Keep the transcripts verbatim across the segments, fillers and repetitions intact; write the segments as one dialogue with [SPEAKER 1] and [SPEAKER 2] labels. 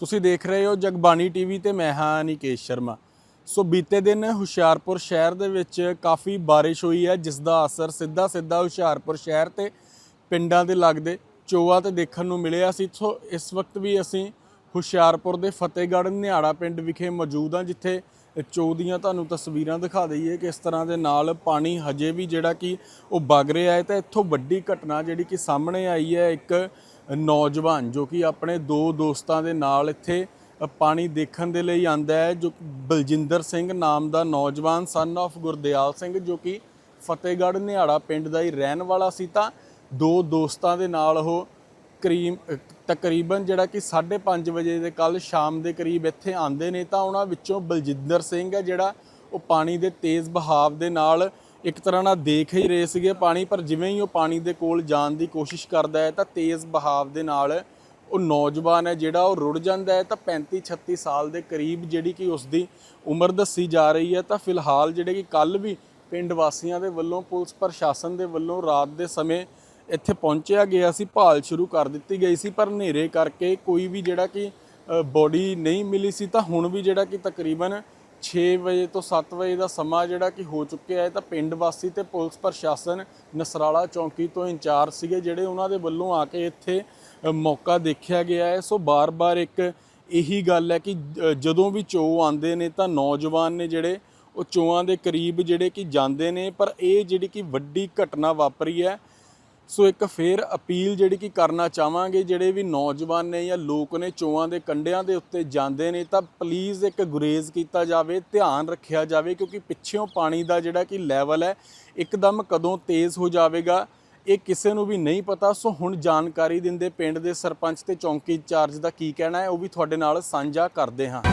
[SPEAKER 1] ਤੁਸੀਂ ਦੇਖ ਰਹੇ ਹੋ ਜਗਬਾਣੀ ਟੀਵੀ ਤੇ ਮੈਂ ਹਾਂ ਨਿਕੇਸ਼ ਸ਼ਰਮਾ। ਸੋ ਬੀਤੇ ਦਿਨ ਹੁਸ਼ਿਆਰਪੁਰ ਸ਼ਹਿਰ ਦੇ ਵਿੱਚ ਕਾਫੀ ਬਾਰਿਸ਼ ਹੋਈ ਹੈ, ਜਿਸ ਦਾ ਅਸਰ ਸਿੱਧਾ ਸਿੱਧਾ ਹੁਸ਼ਿਆਰਪੁਰ ਸ਼ਹਿਰ ਤੇ ਪਿੰਡਾਂ ਦੇ ਲੱਗਦੇ ਚੋਆ ਤੇ ਦੇਖਣ ਨੂੰ ਮਿਲਿਆ ਸੀ। ਸੋ ਇਸ ਵਕਤ ਵੀ ਅਸੀਂ ਹੁਸ਼ਿਆਰਪੁਰ ਦੇ ਫਤਿਹਗੜ੍ਹ ਨਿਹਾੜਾ ਪਿੰਡ ਵਿਖੇ ਮੌਜੂਦ ਹਾਂ, ਜਿੱਥੇ ਚੋਅ ਦੀਆਂ ਤੁਹਾਨੂੰ ਤਸਵੀਰਾਂ ਦਿਖਾ ਦਈਏ ਕਿ ਇਸ ਤਰ੍ਹਾਂ ਦੇ ਨਾਲ ਪਾਣੀ ਹਜੇ ਵੀ ਜਿਹੜਾ ਕਿ ਉਹ ਵਗ ਰਿਹਾ ਹੈ। ਤਾਂ ਇੱਥੋਂ ਵੱਡੀ ਘਟਨਾ ਜਿਹੜੀ ਕਿ ਸਾਹਮਣੇ ਆਈ ਹੈ, ਇੱਕ ਨੌਜਵਾਨ ਜੋ ਕਿ ਆਪਣੇ ਦੋ ਦੋਸਤਾਂ ਦੇ ਨਾਲ ਇੱਥੇ ਪਾਣੀ ਦੇਖਣ ਦੇ ਲਈ ਆਂਦਾ ਹੈ, ਜੋ ਬਲਜਿੰਦਰ ਸਿੰਘ ਨਾਮ ਦਾ ਨੌਜਵਾਨ ਸਨ ਆਫ ਗੁਰਦਿਆਲ ਸਿੰਘ, ਜੋ ਕਿ ਫਤਿਹਗੜ੍ਹ ਨਿਹਾੜਾ ਪਿੰਡ ਦਾ ਹੀ ਰਹਿਣ ਵਾਲਾ ਸੀ। ਤਾਂ ਦੋ ਦੋਸਤਾਂ ਦੇ ਨਾਲ ਉਹ ਕਰੀਬ ਤਕਰੀਬਨ ਜਿਹੜਾ ਕਿ ਸਾਢੇ ਪੰਜ ਵਜੇ ਦੇ ਕੱਲ੍ਹ ਸ਼ਾਮ ਦੇ ਕਰੀਬ ਇੱਥੇ ਆਉਂਦੇ ਨੇ। ਤਾਂ ਉਹਨਾਂ ਵਿੱਚੋਂ ਬਲਜਿੰਦਰ ਸਿੰਘ ਹੈ ਜਿਹੜਾ ਉਹ ਪਾਣੀ ਦੇ ਤੇਜ਼ ਬਹਾਵ ਦੇ ਨਾਲ ਇੱਕ ਤਰ੍ਹਾਂ ਨਾਲ ਦੇਖ ਹੀ ਰਹੇ ਸੀਗੇ ਪਾਣੀ, ਪਰ ਜਿਵੇਂ ਹੀ ਉਹ ਪਾਣੀ ਦੇ ਕੋਲ ਜਾਣ ਦੀ ਕੋਸ਼ਿਸ਼ ਕਰਦਾ ਹੈ ਤਾਂ ਤੇਜ਼ ਬਹਾਵ ਦੇ ਨਾਲ ਉਹ ਨੌਜਵਾਨ ਹੈ ਜਿਹੜਾ ਉਹ ਰੁੜ ਜਾਂਦਾ ਹੈ। ਤਾਂ ਪੈਂਤੀ ਛੱਤੀ ਸਾਲ ਦੇ ਕਰੀਬ ਜਿਹੜੀ ਕਿ ਉਸ ਦੀ ਉਮਰ ਦੱਸੀ ਜਾ ਰਹੀ ਹੈ। ਤਾਂ ਫਿਲਹਾਲ ਜਿਹੜੇ ਕਿ ਕੱਲ੍ਹ ਵੀ ਪਿੰਡ ਵਾਸੀਆਂ ਦੇ ਵੱਲੋਂ ਪੁਲਿਸ ਪ੍ਰਸ਼ਾਸਨ ਦੇ ਵੱਲੋਂ ਰਾਤ ਦੇ ਸਮੇਂ ਇੱਥੇ ਪਹੁੰਚਿਆ ਗਿਆ ਸੀ, ਭਾਲ ਸ਼ੁਰੂ ਕਰ ਦਿੱਤੀ ਗਈ ਸੀ, ਪਰ ਹਨੇਰੇ ਕਰਕੇ ਕੋਈ ਵੀ ਜਿਹੜਾ ਕਿ ਬੋਡੀ ਨਹੀਂ ਮਿਲੀ ਸੀ। ਤਾਂ ਹੁਣ ਵੀ ਜਿਹੜਾ ਕਿ ਤਕਰੀਬਨ ਛੇ ਵਜੇ ਤੋਂ ਸੱਤ ਵਜੇ ਦਾ ਸਮਾਂ ਜਿਹੜਾ ਕਿ ਹੋ ਚੁੱਕਿਆ ਹੈ। ਤਾਂ ਪਿੰਡ ਵਾਸੀ ਤੇ ਪੁਲਿਸ ਪ੍ਰਸ਼ਾਸਨ ਨਸਰਾਲਾ ਚੌਂਕੀ ਤੋਂ ਇੰਚਾਰਜ ਸੀਗੇ ਜਿਹੜੇ ਉਹਨਾਂ ਦੇ ਵੱਲੋਂ ਆ ਕੇ ਇੱਥੇ ਮੌਕਾ ਦੇਖਿਆ ਗਿਆ ਹੈ। ਸੋ ਬਾਰ-ਬਾਰ ਇੱਕ ਇਹੀ ਗੱਲ ਹੈ ਕਿ ਜਦੋਂ ਵੀ ਚੋਅ ਆਉਂਦੇ ਨੇ ਤਾਂ ਨੌਜਵਾਨ ਨੇ ਜਿਹੜੇ ਉਹ ਚੋਆਂ ਦੇ ਕਰੀਬ ਜਿਹੜੇ ਕਿ ਜਾਂਦੇ ਨੇ, ਪਰ ਇਹ ਜਿਹੜੀ ਕਿ ਵੱਡੀ ਘਟਨਾ ਵਾਪਰੀ ਹੈ। ਸੋ ਇੱਕ ਫੇਰ ਅਪੀਲ ਜਿਹੜੀ ਕਿ ਕਰਨਾ ਚਾਹਾਂਗੇ, ਜਿਹੜੇ ਵੀ ਨੌਜਵਾਨ ਨੇ ਜਾਂ ਲੋਕ ਨੇ ਚੋਆਂ ਦੇ ਕੰਢਿਆਂ ਦੇ ਉੱਤੇ ਜਾਂਦੇ ਨੇ ਤਾਂ ਪਲੀਜ਼ ਇੱਕ ਗੁਰੇਜ਼ ਕੀਤਾ ਜਾਵੇ, ਧਿਆਨ ਰੱਖਿਆ ਜਾਵੇ, ਕਿਉਂਕਿ ਪਿੱਛੋਂ ਪਾਣੀ ਦਾ ਜਿਹੜਾ ਕਿ ਲੈਵਲ ਹੈ ਇੱਕਦਮ ਕਦੋਂ ਤੇਜ਼ ਹੋ ਜਾਵੇਗਾ ਇਹ ਕਿਸੇ ਨੂੰ ਵੀ ਨਹੀਂ ਪਤਾ। ਸੋ ਹੁਣ ਜਾਣਕਾਰੀ ਦਿੰਦੇ ਪਿੰਡ ਦੇ ਸਰਪੰਚ ਤੇ ਚੌਂਕੀ ਇੰਚਾਰਜ ਦਾ ਕੀ ਕਹਿਣਾ ਹੈ ਉਹ ਵੀ ਤੁਹਾਡੇ ਨਾਲ ਸਾਂਝਾ ਕਰਦੇ ਹਾਂ।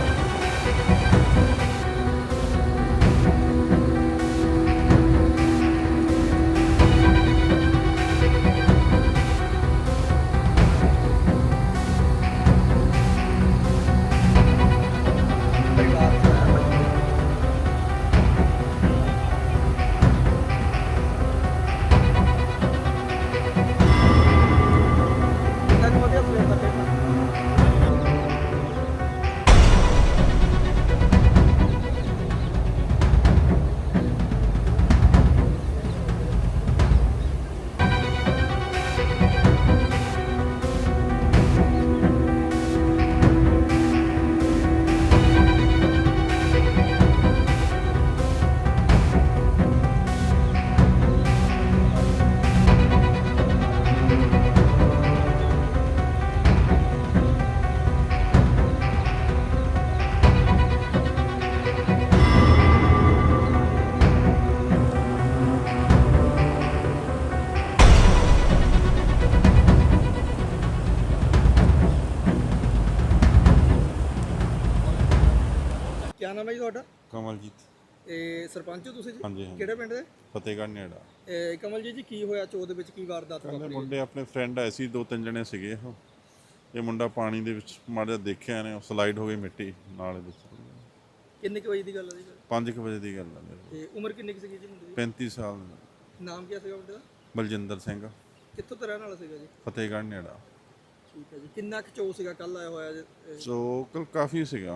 [SPEAKER 2] क्या नाम है जी ਤੁਹਾਡਾ?
[SPEAKER 3] ਕਮਲਜੀਤ।
[SPEAKER 2] ਇਹ ਸਰਪੰਚ ਹੋ ਤੁਸੀਂ ਜੀ?
[SPEAKER 3] ਹਾਂਜੀ ਹਾਂਜੀ।
[SPEAKER 2] ਕਿਹੜੇ ਪਿੰਡ ਦੇ?
[SPEAKER 3] ਫਤਿਹਗੜ੍ਹ ਨਿਹਾੜਾ।
[SPEAKER 2] ਇਹ ਕਮਲਜੀਤ ਜੀ ਕੀ ਹੋਇਆ ਚੋਅ ਦੇ ਵਿੱਚ, ਕੀ ਵਾਰਦਾਤ
[SPEAKER 3] ਕਹਿੰਦੇ
[SPEAKER 2] ਵਾਪਰੀ?
[SPEAKER 3] ਮੁੰਡੇ ਆਪਣੇ ਫਰੈਂਡ ਆਏ ਸੀ, ਦੋ ਤਿੰਨ ਜਣੇ ਸੀਗੇ ਉਹ। ਇਹ ਮੁੰਡਾ ਪਾਣੀ ਦੇ ਵਿੱਚ ਮਾੜਾ ਜਿਹਾ ਦੇਖਿਆ ਨੇ, ਸਲਾਈਡ ਹੋ ਗਈ ਮਿੱਟੀ ਨਾਲੇ ਵਿੱਚ।
[SPEAKER 2] ਕਿੰਨੇ ਕੁ ਵਜੇ ਦੀ ਗੱਲ ਹੈ ਜੀ?
[SPEAKER 3] ਪੰਜ ਕੁ ਵਜੇ ਦੀ ਗੱਲ ਹੈ ਮੇਰੇ।
[SPEAKER 2] ਤੇ ਉਮਰ ਕਿੰਨੀ ਕੁ ਸੀਗੀ ਜੀ ਮੁੰਡੇ ਦੀ?
[SPEAKER 3] ਪੈਂਤੀ ਸਾਲ ਦਾ।
[SPEAKER 2] ਨਾਮ ਕੀ ਸੀਗਾ ਮੁੰਡੇ ਦਾ?
[SPEAKER 3] ਬਲਜਿੰਦਰ ਸਿੰਘ।
[SPEAKER 2] ਕਿੱਥੋਂ ਦਾ ਰਹਿਣ ਵਾਲਾ ਸੀਗਾ ਜੀ?
[SPEAKER 3] ਫਤਿਹਗੜ੍ਹ ਨਿਹਾੜਾ।
[SPEAKER 2] ਠੀਕ ਹੈ ਜੀ। ਕਿੰਨਾ ਕੁ ਚੋਅ ਸੀਗਾ ਕੱਲ ਆਇਆ ਹੋਇਆ ਜੀ?
[SPEAKER 3] ਸੋ ਕੱਲ ਕਾਫੀ ਸੀਗਾ।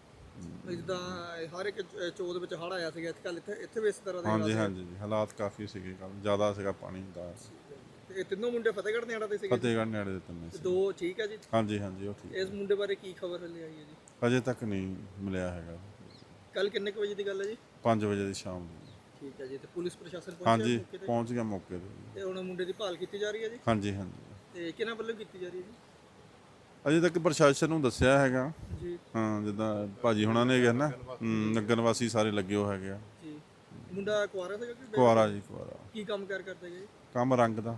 [SPEAKER 2] ਜਿੱਦਾਂ ਹਰ ਇੱਕ ਚੋਅ ਦੇ ਵਿੱਚ ਹੜ੍ਹ ਆਇਆ ਸੀਗਾ, ਕੱਲ ਇੱਥੇ ਇੱਥੇ ਵੀ ਇਸ ਤਰ੍ਹਾਂ ਦਾ
[SPEAKER 3] ਹਾਂਜੀ ਹਾਂਜੀ ਜੀ, ਹਾਲਾਤ ਕਾਫੀ ਸੀਗੇ ਕੱਲ, ਜ਼ਿਆਦਾ ਸੀਗਾ ਪਾਣੀ ਦਾ।
[SPEAKER 2] ਤੇ ਇਹ ਤਿੰਨੋਂ ਮੁੰਡੇ ਫਤਿਹਗੜ੍ਹ ਨਿਹਾੜਾ ਦੇ ਸੀਗੇ?
[SPEAKER 3] ਫਤਿਹਗੜ੍ਹ ਨਿਹਾੜੇ ਦੇ ਤਿੰਨੇ ਸੀ।
[SPEAKER 2] ਦੋ ਠੀਕ ਹੈ ਜੀ?
[SPEAKER 3] ਹਾਂਜੀ ਹਾਂਜੀ ਉਹ ਠੀਕ।
[SPEAKER 2] ਇਸ ਮੁੰਡੇ ਬਾਰੇ ਕੀ ਖਬਰ ਹਲੇ ਆਈ ਹੈ ਜੀ?
[SPEAKER 3] ਅਜੇ ਤੱਕ ਨਹੀਂ ਮਿਲਿਆ ਹੈਗਾ।
[SPEAKER 2] ਕੱਲ ਕਿੰਨੇ ਕੁ ਵਜੇ ਦੀ ਗੱਲ ਹੈ ਜੀ?
[SPEAKER 3] ਪੰਜ ਵਜੇ ਦੀ ਸ਼ਾਮ ਨੂੰ।
[SPEAKER 2] ਠੀਕ ਹੈ ਜੀ। ਤੇ ਪੁਲਿਸ ਪ੍ਰਸ਼ਾਸਨ ਪਹੁੰਚਿਆ
[SPEAKER 3] ਹਾਂਜੀ
[SPEAKER 2] ਮੌਕੇ ਤੇ?
[SPEAKER 3] ਪਹੁੰਚ ਗਿਆ ਮੌਕੇ ਤੇ।
[SPEAKER 2] ਤੇ ਹੁਣ ਮੁੰਡੇ ਦੀ ਭਾਲ ਕੀਤੀ ਜਾ ਰਹੀ ਹੈ ਜੀ?
[SPEAKER 3] ਹਾਂਜੀ ਹਾਂਜੀ।
[SPEAKER 2] ਤੇ ਕਿਹਨਾਂ ਵੱਲੋਂ ਕੀਤੀ ਜਾ ਰਹੀ ਹੈ ਜੀ?
[SPEAKER 3] ਅਜੇ ਤੱਕ ਪ੍ਰਸ਼ਾਸਨ ਨੂੰ ਦੱਸਿਆ ਹੈਗਾ
[SPEAKER 2] ਜੀ।
[SPEAKER 3] ਹਾਂ, ਜਿੱਦਾਂ ਭਾਜੀ ਹੁਣਾਂ ਨੇ ਕਿਹਾ ਨਾ, ਨਗਰ ਵਾਸੀ ਸਾਰੇ ਲੱਗੇ ਹੋ ਹੈਗੇ ਆ
[SPEAKER 2] ਜੀ। ਮੁੰਡਾ ਕੁਆਰਾ ਸੀਗਾ ਕਿ?
[SPEAKER 3] ਕੁਆਰਾ ਜੀ, ਕੁਆਰਾ।
[SPEAKER 2] ਕੀ ਕੰਮ ਕਾਰ ਕਰਦਾ ਜੀ?
[SPEAKER 3] ਕੰਮ ਰੰਗ ਦਾ।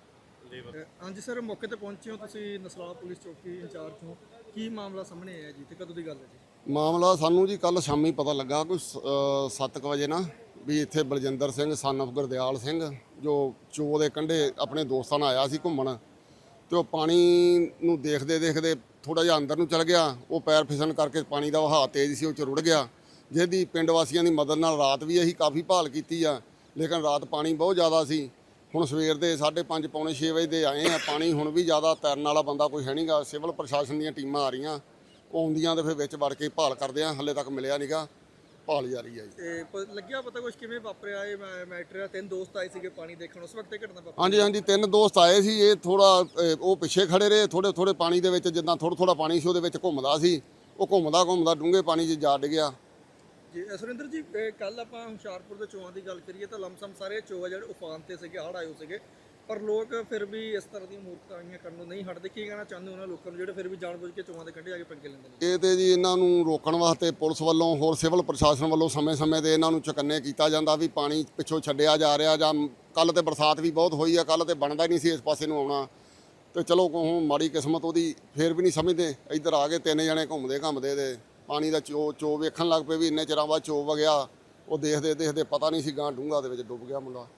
[SPEAKER 2] ਅ, ਹਾਂਜੀ ਸਰ, ਮੌਕੇ ਤੇ ਪਹੁੰਚੇ ਹੋ ਤੁਸੀਂ, ਨਸਰਾਲਾ ਪੁਲਿਸ ਚੌਕੀ ਇੰਚਾਰਜ ਹੋ, ਕੀ ਮਾਮਲਾ ਸਾਹਮਣੇ ਆਇਆ ਜੀ ਤੇ ਕਦੋਂ ਦੀ ਗੱਲ ਹੈ ਜੀ?
[SPEAKER 4] ਮਾਮਲਾ ਸਾਨੂੰ ਜੀ ਕੱਲ ਸ਼ਾਮੀ ਪਤਾ ਲੱਗਾ ਕੋਈ ਸੱਤ ਕੁ ਵਜੇ ਨਾ, ਵੀ ਇੱਥੇ ਬਲਜਿੰਦਰ ਸਿੰਘ ਸਨ ਆਫ ਗੁਰਦਿਆਲ ਸਿੰਘ ਜੋ ਚੋਅ ਦੇ ਕੰਢੇ ਆਪਣੇ ਦੋਸਤਾਂ ਨਾਲ ਆਇਆ ਸੀ ਘੁੰਮਣ, ਤੇ ਉਹ ਪਾਣੀ ਨੂੰ ਦੇਖਦੇ ਦੇਖਦੇ ਥੋੜਾ ਜਿਹਾ ਅੰਦਰ ਨੂੰ ਚਲ ਗਿਆ। ਉਹ ਪੈਰ ਫਿਸਲਣ ਕਰਕੇ ਪਾਣੀ ਦਾ ਵਹਾਅ ਤੇਜ਼ ਸੀ, ਉਹ ਚ ਰੁੜ ਗਿਆ। ਜਿਹਦੀ ਪਿੰਡ ਵਾਸੀਆਂ ਦੀ ਮਦਦ ਨਾਲ ਰਾਤ ਵੀ ਅਸੀਂ ਕਾਫੀ ਭਾਲ ਕੀਤੀ ਆ, ਲੇਕਿਨ ਰਾਤ ਪਾਣੀ ਬਹੁਤ ਜ਼ਿਆਦਾ ਸੀ। ਹੁਣ ਸਵੇਰ ਦੇ ਸਾਢੇ ਪੰਜ ਪੌਣੇ ਛੇ ਵਜੇ ਦੇ ਆਏ ਆ। ਪਾਣੀ ਹੁਣ ਵੀ ਜ਼ਿਆਦਾ ਤੈਰਨ ਵਾਲਾ ਬੰਦਾ ਕੋਈ ਹੈ ਨਹੀਂਗਾ। ਸਿਵਲ ਪ੍ਰਸ਼ਾਸਨ ਦੀਆਂ ਟੀਮਾਂ ਆ ਰਹੀਆਂ, ਉਹ ਆਉਂਦੀਆਂ ਤੇ ਫਿਰ ਵਿੱਚ ਵੜ ਕੇ ਭਾਲ ਕਰਦੇ ਆ। ਹੱਲੇ ਤੱਕ ਮਿਲਿਆ ਨਹੀਂਗਾ, ਭਾਲ ਜਾਰੀ ਹੈ ਜੀ।
[SPEAKER 2] ਤੇ ਪ- ਲੱਗਿਆ ਪਤਾ ਕੁਝ ਕਿਵੇਂ ਵਾਪਰਿਆ ਇਹ ਮੈ- ਮੈਟਰ ਆ? ਤਿੰਨ ਦੋਸਤ ਆਏ ਸੀਗੇ ਪਾਣੀ ਦੇਖਣ, ਉਸ ਵਕਤ ਇਹ ਘਟਨਾ ਵਾਪਰੀ।
[SPEAKER 4] ਹਾਂਜੀ ਹਾਂਜੀ, ਤਿੰਨ ਦੋਸਤ ਆਏ ਸੀ। ਇਹ ਥੋੜਾ ਉਹ ਪਿੱਛੇ ਖੜੇ ਰਹੇ, ਥੋੜੇ ਥੋੜੇ ਪਾਣੀ ਦੇ ਵਿੱਚ, ਜਿੱਦਾਂ ਥੋੜਾ ਥੋੜਾ ਪਾਣੀ ਸੀ ਉਹਦੇ ਵਿੱਚ ਘੁੰਮਦਾ ਸੀ। ਉਹ ਘੁੰਮਦਾ ਘੁੰਮਦਾ ਡੂੰਘੇ ਪਾਣੀ 'ਚ ਜਾ ਡਿੱਗਿਆ।
[SPEAKER 2] ਜੀ ਸੁਰਿੰਦਰ ਜੀ, ਕੱਲ ਆਪਾਂ ਹੁਸ਼ਿਆਰਪੁਰ ਦੇ ਚੋਆਂ ਦੀ ਗੱਲ ਕਰੀਏ ਤਾਂ ਲਮਸਮ ਸਾਰੇ ਚੋਆ ਜਿਹੜੇ ਉਫਾਨ ਤੇ ਸੀਗੇ, ਹੜ੍ਹ ਆਏ ਹੋਏ ਸੀਗੇ, ਪਰ ਲੋਕ ਫਿਰ ਵੀ ਇਸ ਤਰ੍ਹਾਂ ਦੀਆਂ ਮੂਰਖਤਾਈਆਂ ਕਰਨ ਨੂੰ ਨਹੀਂ ਹਟਦੇ। ਕੀ ਕਹਿਣਾ ਚਾਹੁੰਦੇ ਉਹਨਾਂ ਲੋਕਾਂ ਨੂੰ ਜਿਹੜੇ ਫਿਰ ਵੀ ਜਾਣਬੁੱਝ ਕੇ ਚੋਆਂ ਦੇ ਕੰਢੇ ਆ ਕੇ ਪੰਗੇ ਲੈਂਦੇ ਨੇ?
[SPEAKER 4] ਇਹ ਤੇ ਜੀ ਇਹਨਾਂ ਨੂੰ ਰੋਕਣ ਵਾਸਤੇ ਪੁਲਿਸ ਵੱਲੋਂ, ਹੋਰ ਸਿਵਲ ਪ੍ਰਸ਼ਾਸਨ ਵੱਲੋਂ ਸਮੇਂ-ਸਮੇਂ ਤੇ ਇਹਨਾਂ ਨੂੰ ਚੁਕੰਨੇ ਕੀਤਾ ਜਾਂਦਾ ਵੀ ਪਾਣੀ ਪਿੱਛੋਂ ਛੱਡਿਆ ਜਾ ਰਿਹਾ। ਜਾਂ ਕੱਲ ਤੇ ਬਰਸਾਤ ਵੀ ਬਹੁਤ ਹੋਈ ਆ, ਕੱਲ ਤੇ ਬਣਦਾ ਹੀ ਨਹੀਂ ਸੀ ਇਸ ਪਾਸੇ ਨੂੰ ਆਉਣਾ। ਤੇ ਚਲੋ ਹੁਣ ਮਾੜੀ ਕਿਸਮਤ ਉਹਦੀ, ਫੇਰ ਵੀ ਨਹੀਂ ਸਮਝਦੇ। ਇੱਧਰ ਆ ਕੇ ਤਿੰਨ ਜਣੇ ਘੁੰਮਦੇ ਘੁੰਮਦੇ ਤੇ ਪਾਣੀ ਦਾ ਚੋ ਚੋ ਵੇਖਣ ਲੱਗ ਪਏ ਵੀ ਇੰਨੇ ਚਿਰਾਂ ਬਾਅਦ ਚੋ ਵਗਿਆ। ਉਹ ਦੇਖਦੇ ਦੇਖਦੇ ਪਤਾ ਨਹੀਂ ਸੀ ਗਾਂ ਡੂੰਘਾ ਦੇ ਵਿੱਚ ਡੁੱਬ ਗਿਆ ਮੁੰਡਾ।